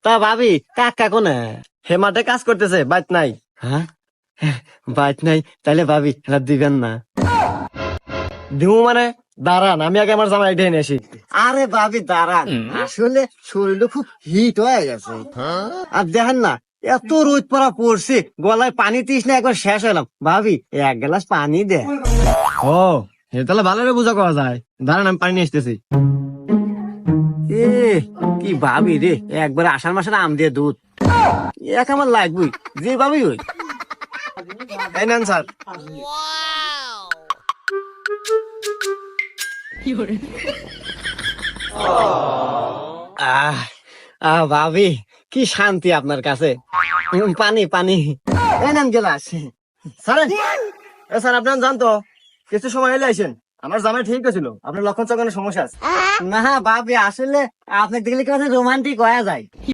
তা ভাবি কাকা কোনে? হে মাঠে কাজ করতেছে, বাইত নাই। হ্যাঁ, বাইক নাই, তাইলে ভাবি এটা দিবেন না? দিমু মানে? দাঁড়ান, আমি আগে আমার জামাই ঢেনে আসি। আরে ভাবি দাঁড়ান, আসলে শরীরটা খুব হিট হয়ে গেছে। আর দেখেন না, এত রোদ পড়া পড়ছে, গলায় পানি তৃষ্ণা একবার শেষ হলাম। ভাবি এক গ্লাস পানি দে। ও, হে তাহলে ভালো করে বুঝা করা যায়। দাঁড়ান, আমি পানি নিয়ে আসতেছি। এ কি ভাবি রে, একবার আষাঢ় মাসের আম দিয়ে দুধ এক আমার লাগবেই, যে ভাবি ওই। এই নেন স্যার। আহ ভাবি কি শান্তি আপনার কাছে। পানি পানি, এই নেন গেলাস। স্যার, এ স্যার, আপনার জানতো কিছু সময় এলে আইসেন। আমার জামাই ঠিক ছিল, আপনার লক্ষণ চক্ষণের সমস্যা আছে। না ভাবি, আসলে আপনাকে দেখলে কেমন রোমান্টিক হয়ে যায়।